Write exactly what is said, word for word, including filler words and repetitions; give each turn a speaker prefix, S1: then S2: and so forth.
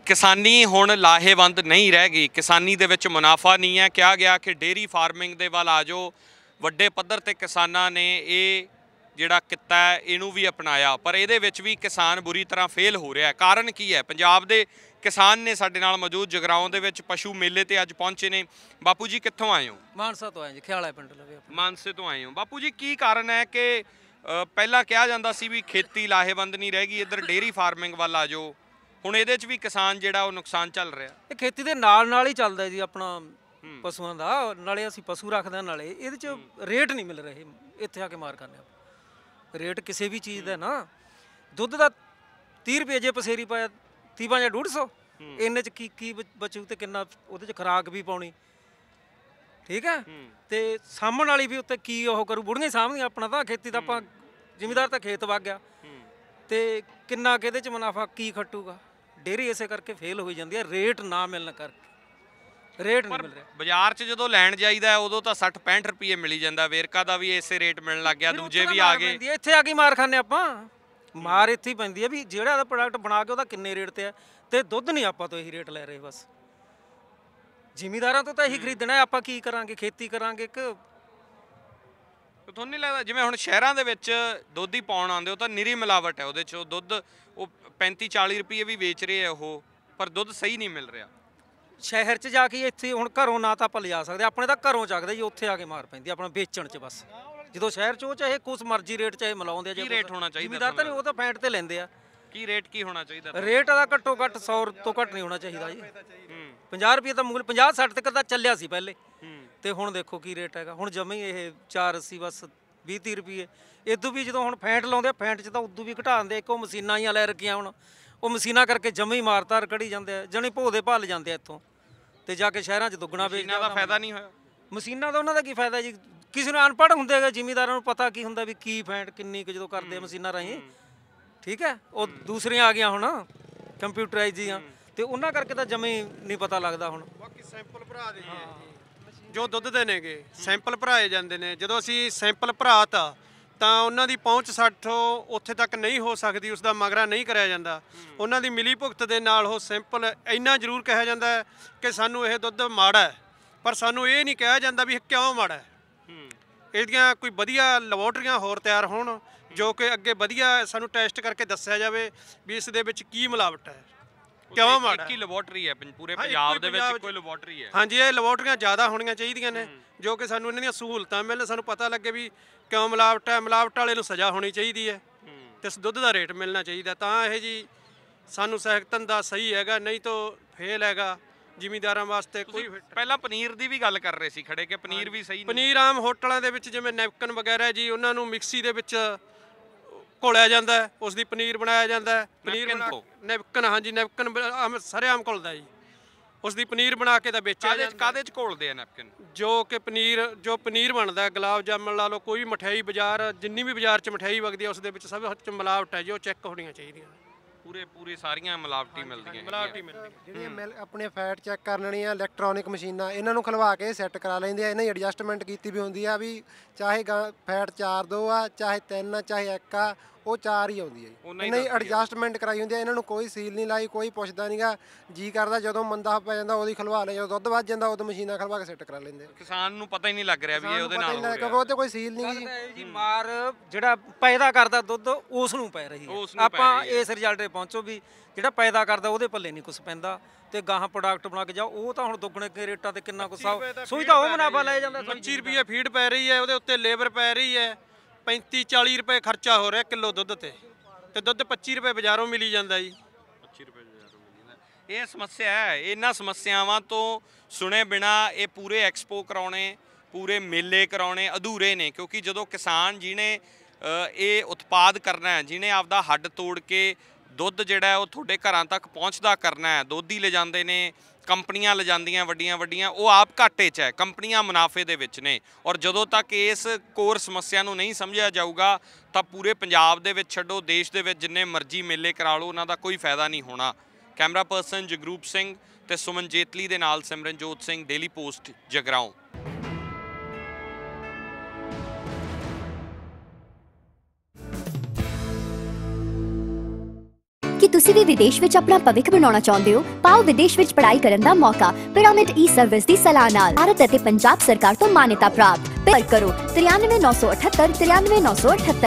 S1: ਕਿਸਾਨੀ ਹੁਣ ਲਾਹੇਵੰਦ ਨਹੀਂ ਰਹਿ ਗਈ। ਕਿਸਾਨੀ ਦੇ ਵਿੱਚ ਮੁਨਾਫਾ ਨਹੀਂ ਹੈ। ਕਿਹਾ ਗਿਆ ਕਿ ਡੇਰੀ ਫਾਰਮਿੰਗ ਦੇ ਵੱਲ ਆ ਜਾਓ। ਵੱਡੇ ਪੱਧਰ ਤੇ ਕਿਸਾਨਾਂ ਨੇ ਇਹ ਜਿਹੜਾ ਕਿੱਤਾ ਹੈ ਇਹਨੂੰ ਵੀ ਅਪਣਾਇਆ, ਪਰ ਇਹਦੇ ਵਿੱਚ ਵੀ ਕਿਸਾਨ ਬੁਰੀ ਤਰ੍ਹਾਂ ਫੇਲ ਹੋ ਰਿਹਾ। ਕਾਰਨ ਕੀ ਹੈ? ਪੰਜਾਬ ਦੇ ਕਿਸਾਨ ਨੇ ਸਾਡੇ ਨਾਲ ਮੌਜੂਦ। ਜਗਰਾਓਂ ਦੇ ਵਿੱਚ ਪਸ਼ੂ ਮੇਲੇ ਤੇ ਅੱਜ ਪਹੁੰਚੇ ਨੇ। ਬਾਪੂ ਜੀ ਕਿੱਥੋਂ ਆਏ ਹੋ?
S2: ਮਾਨਸਾ ਤੋਂ ਆਏ ਜੀ, ਖਿਆਲਾ ਪਿੰਡ ਲਵੇ।
S1: ਮਾਨਸੇ ਤੋਂ ਆਏ ਹੋ। ਬਾਪੂ ਜੀ ਕੀ ਕਾਰਨ ਹੈ ਕਿ ਪਹਿਲਾਂ ਕਿਹਾ ਜਾਂਦਾ ਸੀ ਵੀ ਖੇਤੀ ਲਾਹੇਵੰਦ ਨਹੀਂ ਰਹਿ ਗਈ, ਇੱਧਰ ਡੇਰੀ ਫਾਰਮਿੰਗ ਵੱਲ ਆ ਜਾਓ, ਹੁਣ ਇਹਦੇ 'ਚ ਵੀ ਕਿਸਾਨ ਜਿਹੜਾ ਉਹ ਨੁਕਸਾਨ ਚੱਲ ਰਿਹਾ?
S2: ਇਹ ਖੇਤੀ ਦੇ ਨਾਲ ਨਾਲ ਹੀ ਚੱਲਦਾ ਜੀ ਆਪਣਾ ਪਸ਼ੂਆਂ ਦਾ, ਨਾਲੇ ਅਸੀਂ ਪਸ਼ੂ ਰੱਖਦੇ, ਨਾਲੇ ਇਹਦੇ 'ਚ ਰੇਟ ਨਹੀਂ ਮਿਲ ਰਹੇ। ਇੱਥੇ ਆ ਕੇ ਮਾਰ ਕਰਨੇ ਆਪਾਂ ਰੇਟ ਕਿਸੇ ਵੀ ਚੀਜ਼ ਦਾ ਨਾ। ਦੁੱਧ ਦਾ ਤੀਹ ਰੁਪਏ ਜੇ ਪਸੇਰੀ ਪਾਇਆ ਤੀਹ ਜਾਂ ਡੂਢ ਸੌ, ਇੰਨੇ 'ਚ ਕੀ ਕੀ ਬਚੂ ਤੇ ਕਿੰਨਾ ਉਹਦੇ 'ਚ ਖੁਰਾਕ ਵੀ ਪਾਉਣੀ, ਠੀਕ ਹੈ। ਤੇ ਸਾਂਭਣ ਵਾਲੀ ਵੀ ਉੱਤੇ ਕੀ ਉਹ ਕਰੂ, ਬੁੜੀਆਂ ਹੀ ਸਾਂਭਦੀਆਂ। ਆਪਣਾ ਤਾਂ ਖੇਤੀ ਦਾ ਆਪਾਂ ਜ਼ਿਮੀਦਾਰ ਤਾਂ ਖੇਤ ਵਗ ਗਿਆ ਤੇ ਕਿੰਨਾ ਕਿਹਦੇ 'ਚ ਮੁਨਾਫਾ ਕੀ ਖੱਟੂਗਾ। ਡੇਅਰੀ ਇਸੇ ਕਰਕੇ ਫੇਲ ਹੋਈ ਜਾਂਦੀ ਹੈ, ਰੇਟ ਨਾ ਮਿਲਣ ਕਰਕੇ। ਰੇਟ ਨਹੀਂ ਮਿਲ ਰਿਹਾ ਬਾਜ਼ਾਰ 'ਚ।
S1: ਜਦੋਂ ਲੈਣ ਜਾਈਦਾ ਉਦੋਂ ਤਾਂ ਸੱਠ ਪੈਂਹਠ ਰੁਪਏ ਮਿਲੀ ਜਾਂਦਾ। ਵੇਰਕਾ ਦਾ ਵੀ ਇਸੇ ਰੇਟ ਮਿਲਣ ਲੱਗ ਗਿਆ, ਦੂਜੇ ਵੀ ਆ ਗਏ।
S2: ਇੱਥੇ ਆ ਕੇ ਮਾਰ ਖਾਂਦੇ ਆਪਾਂ। ਮਾਰ ਇੱਥੇ ਹੀ ਪੈਂਦੀ ਹੈ ਵੀ ਜਿਹੜਾ ਇਹਦਾ ਪ੍ਰੋਡਕਟ ਬਣਾ ਕੇ ਉਹਦਾ ਕਿੰਨੇ ਰੇਟ ਤੇ ਹੈ, ਤੇ ਦੁੱਧ ਨਹੀਂ ਆਪਾਂ ਤੋਂ ਇਹੀ ਰੇਟ ਲੈ ਰਹੇ। ਬਸ ਜ਼ਿਮੀਦਾਰਾਂ ਤੋਂ ਤਾਂ ਇਹੀ ਖਰੀਦਣਾ। ਆਪਾਂ ਕੀ ਕਰਾਂਗੇ? ਖੇਤੀ ਕਰਾਂਗੇ ਕਿ
S1: ਤੁਹਾਨੂੰ ਨਹੀਂ ਲੱਗਦਾ ਜਿਵੇਂ ਹੁਣ ਸ਼ਹਿਰਾਂ ਦੇ ਵਿੱਚ ਦੁੱਧ ਹੀ ਪਾਉਣ ਆਉਂਦੇ, ਉਹ ਤਾਂ ਨਿਰੀ ਮਿਲਾਵਟ ਹੈ ਉਹਦੇ 'ਚ। ਉਹ ਦੁੱਧ ਉਹ ਪੈਂਤੀ ਚਾਲੀ ਰੁਪਏ ਵੀ ਵੇਚ ਰਹੇ ਆ ਉਹ, ਪਰ ਦੁੱਧ ਸਹੀ ਨਹੀਂ ਮਿਲ ਰਿਹਾ।
S2: ਸ਼ਹਿਰ 'ਚ ਜਾ ਕੇ ਇੱਥੇ ਹੁਣ ਘਰੋਂ ਨਾ ਤਾਂ ਆਪਾਂ ਲਿਜਾ ਸਕਦੇ, ਆਪਣੇ ਤਾਂ ਘਰੋਂ ਚੱਕਦੇ ਜੀ, ਉੱਥੇ ਆ ਕੇ ਮਾਰ ਪੈਂਦੀ ਆਪਣਾ ਵੇਚਣ 'ਚ। ਬਸ ਜਦੋਂ ਸ਼ਹਿਰ 'ਚ ਉਹ ਚਾਹੇ ਕੁਛ ਮਰਜ਼ੀ ਰੇਟ ਚਾਹੇ ਮਿਲਾਉਂਦੇ ਆ।
S1: ਕੀ ਰੇਟ ਹੋਣਾ ਚਾਹੀਦਾ?
S2: ਜ਼ਿਮੀਦਾਰ ਤਾਂ ਨਹੀਂ, ਉਹ ਤਾਂ ਫੈਂਟ ਤੇ ਲੈਂਦੇ ਆ।
S1: ਕੀ ਰੇਟ ਕੀ ਹੋਣਾ ਚਾਹੀਦਾ?
S2: ਰੇਟ ਦਾ ਘੱਟੋ ਘੱਟ ਸੌ ਤੋਂ ਘੱਟ ਨਹੀਂ ਹੋਣਾ ਚਾਹੀਦਾ ਜੀ। ਪੰਜਾਹ ਰੁਪਏ ਤਾਂ ਮੁਗਲ ਪੰਜਾਹ ਸੱਠ ਤੱਕ ਤਾਂ ਚੱਲਿਆ ਸੀ ਪਹਿਲੇ, ਤੇ ਹੁਣ ਦੇਖੋ ਕੀ ਰੇਟ ਹੈਗਾ। ਹੁਣ ਜਮੇ ਹੀ ਇਹ ਚਾਰ ਅੱਸੀ ਬਸ ਵੀਹ ਤੀਹ ਰੁਪਏ। ਇਦੋਂ ਵੀ ਜਦੋਂ ਹੁਣ ਫੈਂਟ ਲਾਉਂਦੇ ਆ, ਫੈਂਟ 'ਚ ਤਾਂ ਉਦੋਂ ਵੀ ਘਟਾ ਦਿੰਦੇ। ਇੱਕ ਉਹ ਮਸ਼ੀਨਾਂ ਹੀ ਲੈ ਰੱਖੀਆਂ ਹੁਣ, ਉਹ ਮਸ਼ੀਨਾਂ ਕਰਕੇ ਜਮੇ ਹੀ ਮਾਰਤਾਰ ਕਢੀ ਜਾਂਦੇ ਆ। ਜਣੀ ਭੋ ਦੇ ਭੱਲ ਜਾਂਦੇ ਆ ਇੱਥੋਂ, ਤੇ ਜਾ ਕੇ ਸ਼ਹਿਰਾਂ 'ਚ ਦੁੱਗਣਾ ਵੇਚਦੇ।
S1: ਮਸ਼ੀਨਾਂ ਦਾ ਫਾਇਦਾ ਨਹੀਂ ਹੋਇਆ।
S2: ਮਸ਼ੀਨਾਂ ਦਾ ਉਹਨਾਂ ਦਾ ਕੀ ਫਾਇਦਾ ਜੀ? ਕਿਸੇ ਨੂੰ ਅਨਪੜ੍ਹ ਹੁੰਦੇ ਹੈਗੇ ਜ਼ਿਮੀਦਾਰਾਂ ਨੂੰ ਪਤਾ ਕੀ ਹੁੰਦਾ ਵੀ ਕੀ ਫੈਂਟ ਕਿੰਨੀ ਕੁ ਜਦੋਂ ਕਰਦੇ ਆ ਮਸ਼ੀਨਾਂ ਰਾਹੀਂ, ਠੀਕ ਹੈ। ਉਹ ਦੂਸਰੀਆਂ ਆ ਗਈਆਂ ਹੁਣ ਕੰਪਿਊਟਰਾਈਜ਼ ਦੀਆਂ, ਤੇ ਉਹਨਾਂ ਕਰਕੇ ਤਾਂ ਜਮੇ ਨਹੀਂ ਪਤਾ ਲੱਗਦਾ ਹੁਣ।
S3: ਬਾਕੀ ਸੈਂਪਲ ਭਰਾ ਦੇ ਜੋ ਦੁੱਧ ਦੇ ਨੇਗੇ, ਸੈਂਪਲ ਭਰਾਏ ਜਾਂਦੇ ਨੇ। ਜਦੋਂ ਅਸੀਂ ਸੈਂਪਲ ਭਰਾ ਤਾ ਤਾਂ ਉਹਨਾਂ ਦੀ ਪਹੁੰਚ ਸਾਠੋਂ ਉੱਥੇ ਤੱਕ ਨਹੀਂ ਹੋ ਸਕਦੀ, ਉਸ ਦਾ ਮਗਰਾ ਨਹੀਂ ਕਰਿਆ ਜਾਂਦਾ। ਉਹਨਾਂ ਦੀ ਮਿਲੀ ਭੁਗਤ ਦੇ ਨਾਲ ਉਹ ਸੈਂਪਲ ਇੰਨਾ ਜ਼ਰੂਰ ਕਿਹਾ ਜਾਂਦਾ ਹੈ ਕਿ ਸਾਨੂੰ ਇਹ ਦੁੱਧ ਮਾੜਾ ਹੈ, ਪਰ ਸਾਨੂੰ ਇਹ ਨਹੀਂ ਕਿਹਾ ਜਾਂਦਾ ਵੀ ਇਹ ਕਿਉਂ ਮਾੜਾ ਹੈ। ਇਹਦੀਆਂ ਕੋਈ ਵਧੀਆ ਲੈਬੋਰਟਰੀਆਂ ਹੋਰ ਤਿਆਰ ਹੋਣ ਜੋ ਕਿ ਅੱਗੇ ਵਧੀਆ ਸਾਨੂੰ ਟੈਸਟ ਕਰਕੇ ਦੱਸਿਆ ਜਾਵੇ ਵੀ ਇਸ ਦੇ ਵਿੱਚ ਕੀ ਮਿਲਾਵਟ ਹੈ, ਕਿਉਂ ਮਾੜਾ।
S1: ਇੱਕ ਹੀ ਲੈਬੋਰਟਰੀ ਹੈ ਪੂਰੇ ਪੰਜਾਬ ਦੇ ਵਿੱਚ, ਇੱਕੋ ਹੀ ਲੈਬੋਰਟਰੀ ਹੈ।
S3: ਹਾਂਜੀ, ਇਹ ਲੈਬੋਰਟਰੀਆਂ ਜ਼ਿਆਦਾ ਹੋਣੀਆਂ ਚਾਹੀਦੀਆਂ ਨੇ ਜੋ ਕਿ ਸਾਨੂੰ ਇਹਨਾਂ ਦੀਆਂ ਸਹੂਲਤਾਂ ਮਿਲਣ, ਸਾਨੂੰ ਪਤਾ ਲੱਗੇ ਵੀ ਕਿਉਂ ਮਿਲਾਵਟ ਹੈ। ਮਿਲਾਵਟ ਵਾਲੇ ਨੂੰ ਸਜ਼ਾ ਹੋਣੀ ਚਾਹੀਦੀ ਹੈ ਤੇ ਇਸ ਦੁੱਧ ਦਾ ਰੇਟ ਮਿਲਣਾ ਚਾਹੀਦਾ, ਤਾਂ ਇਹ ਜੀ ਸਾਨੂੰ ਸਹਿਕਤਨ ਦਾ ਸਹੀ ਹੈਗਾ, ਨਹੀਂ ਤਾਂ ਫੇਲ ਹੈਗਾ ਜ਼ਿਮੀਦਾਰਾਂ ਵਾਸਤੇ। ਕੋਈ
S1: ਪਹਿਲਾਂ ਪਨੀਰ ਦੀ ਵੀ ਗੱਲ ਕਰ ਰਹੇ ਸੀ ਖੜੇ ਕਿ ਪਨੀਰ ਵੀ ਸਹੀ ਨਹੀਂ।
S3: ਪਨੀਰ ਆਮ ਹੋਟਲਾਂ ਦੇ ਵਿੱਚ ਜਿਵੇਂ ਨੈਪਕਿਨ ਵਗੈਰਾ ਜੀ, ਉਹਨਾਂ ਨੂੰ ਮਿਕਸੀ ਦੇ ਵਿੱਚ ਘੋਲਿਆ ਜਾਂਦਾ ਹੈ, ਉਸ ਦੀ ਪਨੀਰ ਬਣਾਇਆ ਜਾਂਦਾ ਹੈ। ਪਨੀਰ ਨੈਪਕਿਨ, ਹਾਂਜੀ ਨੈਪਕਿਨ ਆਮ ਸਰੇਆਮ ਘੁਲਦਾ ਜੀ, ਉਸ ਦੀ ਪਨੀਰ ਬਣਾ ਕੇ ਤਾਂ ਵੇਚਿਆ ਜਾਂਦਾ।
S1: ਕਾਹਦੇ 'ਚ ਘੋਲਦੇ ਆ ਨੈਪਕਿਨ?
S3: ਜੋ ਕਿ ਪਨੀਰ ਜੋ ਪਨੀਰ ਬਣਦਾ, ਗੁਲਾਬ ਜਾਮਣ ਲਾ ਲਓ, ਕੋਈ ਮਠਿਆਈ ਬਾਜ਼ਾਰ ਜਿੰਨੀ ਵੀ ਬਾਜ਼ਾਰ 'ਚ ਮਠਿਆਈ ਵਗਦੀ ਹੈ ਉਸ ਦੇ ਵਿੱਚ ਸਭ 'ਚ ਮਿਲਾਵਟ ਹੈ ਜੋ ਚੈੱਕ ਹੋਣੀਆਂ ਚਾਹੀਦੀਆਂ।
S1: ਪੂਰੇ ਪੂਰੇ ਸਾਰੀਆਂ ਮਿਲਾਵਟੀ ਮਿਲਦੀਆਂ,
S3: ਮਿਲਾਵਟੀ ਮਿਲਦੀਆਂ।
S4: ਜਿਹੜੀਆਂ ਮਿਲ ਆਪਣੇ ਫੈਟ ਚੈੱਕ ਕਰਨ ਵਾਲੀਆਂ ਇਲੈਕਟ੍ਰੋਨਿਕ ਮਸ਼ੀਨਾਂ, ਇਹਨਾਂ ਨੂੰ ਖਲਵਾ ਕੇ ਸੈੱਟ ਕਰਾ ਲੈਂਦੇ ਆ। ਇਹਨਾਂ ਦੀ ਐਡਜਸਟਮੈਂਟ ਕੀਤੀ ਵੀ ਹੁੰਦੀ ਆ ਵੀ ਚਾਹੇ ਫੈਟ ਚਾਰ ਦੋ ਆ, ਚਾਹੇ ਤਿੰਨ ਆ, ਚਾਹੇ ਇੱਕ ਆ, ਉਹ ਚਾਰ ਹੀ ਆਉਂਦੀ ਹੈ ਜੀ। ਇਹਨਾਂ ਦੀ ਐਡਜਸਟਮੈਂਟ ਕਰਾਈ ਹੁੰਦੀ ਆ। ਇਹਨਾਂ ਨੂੰ ਕੋਈ ਸੀਲ ਨਹੀਂ ਲਾਈ, ਕੋਈ ਪੁੱਛਦਾ ਨਹੀਂਗਾ। ਜੀ ਕਰਦਾ ਜਦੋਂ ਮੰਦਾ ਪੈ ਜਾਂਦਾ ਉਹਦੀ ਖਲਵਾ ਲੈ, ਜਦੋਂ ਦੁੱਧ ਵੱਧ ਜਾਂਦਾ ਉਦੋਂ ਮਸ਼ੀਨਾਂ ਖਲਵਾ ਕੇ ਸੈੱਟ ਕਰਾ ਲੈਂਦੇ।
S1: ਕਿਸਾਨ ਨੂੰ ਪਤਾ ਹੀ ਨਹੀਂ ਲੱਗ ਰਿਹਾ ਵੀ ਇਹ ਉਹਦੇ ਨਾਲ ਹੋ ਰਿਹਾ,
S2: ਕਿਉਂਕਿ ਉਹ ਤੇ ਕੋਈ ਸੀਲ ਨਹੀਂ ਜੀ। ਮਾਰ ਜਿਹੜਾ ਪੈਦਾ ਕਰਦਾ ਦੁੱਧ ਉਸ ਨੂੰ ਪੈ ਰਹੀ ਹੈ। ਆਪਾਂ ਇਸ ਰਿਜ਼ਲਟ ਤੇ ਪਹੁੰਚੋ ਵੀ ਜਿਹੜਾ ਪੈਦਾ ਕਰਦਾ ਉਹਦੇ ਪੱਲੇ ਨਹੀਂ ਕੁਛ ਪੈਂਦਾ, ਤੇ ਗਾਹਾਂ ਪ੍ਰੋਡਕਟ ਬਣਾ ਕੇ ਜਾਓ, ਉਹ ਤਾਂ ਹੁਣ ਦੁੱਗਣੇ ਕੇ ਰੇਟਾਂ ਤੇ ਕਿੰਨਾ ਕੁਛ ਸੋਈ ਤਾਂ ਉਹ ਮੁਨਾਫਾ ਲੈ ਜਾਂਦਾ।
S3: ਪੱਚੀ ਰੁਪਏ ਫੀਡ ਪੈ ਰਹੀ ਹੈ, ਉਹਦੇ ਉੱਤੇ ਲੇਬਰ ਪੈ ਰਹੀ ਹੈ, ਪੈਂਤੀ ਚਾਲੀ ਰੁਪਏ ਖਰਚਾ ਹੋ ਰਿਹਾ ਕਿਲੋ ਦੁੱਧ ਤੇ, ਤੇ ਦੁੱਧ ਪੱਚੀ ਰੁਪਏ ਬਾਜ਼ਾਰੋਂ ਮਿਲੀ ਜਾਂਦਾ ਜੀ।
S1: ਪੱਚੀ ਰੁਪਏ ਬਾਜ਼ਾਰੋਂ ਮਿਲੀ ਜਾਂਦਾ। ਇਹ ਸਮੱਸਿਆ ਹੈ। ਇਹਨਾਂ ਸਮੱਸਿਆਵਾਂ ਤੋਂ ਸੁਣੇ ਬਿਨਾ ਇਹ ਪੂਰੇ ਐਕਸਪੋ ਕਰਾਉਣੇ, ਪੂਰੇ ਮੇਲੇ ਕਰਾਉਣੇ ਅਧੂਰੇ ਨੇ, ਕਿਉਂਕਿ ਜਦੋਂ ਕਿਸਾਨ ਜਿਹਨੇ ਇਹ ਉਤਪਾਦ ਕਰਨਾ ਹੈ, ਜਿਹਨੇ ਆਪਦਾ ਹੱਡ ਤੋੜ ਕੇ ਦੁੱਧ ਜਿਹੜਾ ਉਹ ਤੁਹਾਡੇ ਘਰਾਂ ਤੱਕ ਪਹੁੰਚਦਾ ਕਰਨਾ ਹੈ, ਦੋਧੀ ਲਿਜਾਂਦੇ ਨੇ, ਕੰਪਨੀਆਂ ਲਿਜਾਂਦੀਆਂ ਵੱਡੀਆਂ ਵੱਡੀਆਂ, ਉਹ ਆਪ ਘਾਟੇ 'ਚ ਹੈ, ਕੰਪਨੀਆਂ ਮੁਨਾਫੇ ਦੇ ਵਿੱਚ ਨੇ। ਔਰ ਜਦੋਂ ਤੱਕ ਇਸ ਕੋਰ ਸਮੱਸਿਆ ਨੂੰ ਨਹੀਂ ਸਮਝਿਆ ਜਾਊਗਾ ਤਾਂ ਪੂਰੇ ਪੰਜਾਬ ਦੇ ਵਿੱਚ ਛੱਡੋ, ਦੇਸ਼ ਦੇ ਵਿੱਚ ਜਿੰਨੇ ਮਰਜ਼ੀ ਮੇਲੇ ਕਰਾ ਲਓ, ਉਹਨਾਂ ਦਾ ਕੋਈ ਫਾਇਦਾ ਨਹੀਂ ਹੋਣਾ। ਕੈਮਰਾ ਪਰਸਨ ਜਗਰੂਪ ਸਿੰਘ ਤੇ ਸੁਮਨ ਜੇਤਲੀ ਦੇ ਨਾਲ ਸਿਮਰਨਜੋਤ ਸਿੰਘ, ਡੇਲੀ ਪੋਸਟ, ਜਗਰਾਓਂ।
S5: ਕੀ ਤੁਸੀਂ ਵੀ ਵਿਦੇਸ਼ ਵਿੱਚ ਆਪਣਾ ਭਵਿੱਖ ਬਣਾਉਣਾ ਚਾਹੁੰਦੇ ਹੋ? ਪਾਓ ਵਿਦੇਸ਼ ਵਿੱਚ ਪੜ੍ਹਾਈ ਕਰਨ ਦਾ ਮੌਕਾ ਪਿਰਾਮਿਡ ਈ ਸਰਵਿਸ ਦੀ ਸਲਾਹ ਨਾਲ। ਭਾਰਤ ਅਤੇ ਪੰਜਾਬ ਸਰਕਾਰ ਤੋਂ ਮਾਨਤਾ ਪ੍ਰਾਪਤ। ਪਰ ਕਰੋ ਤ੍ਰਿਆਨਵੇਂ ਨੌ ਸੌ ਅਠੱਤਰ ਤ੍ਰਿਆਨਵੇਂ ਨੌ ਸੌ ਅਠੱਤਰ।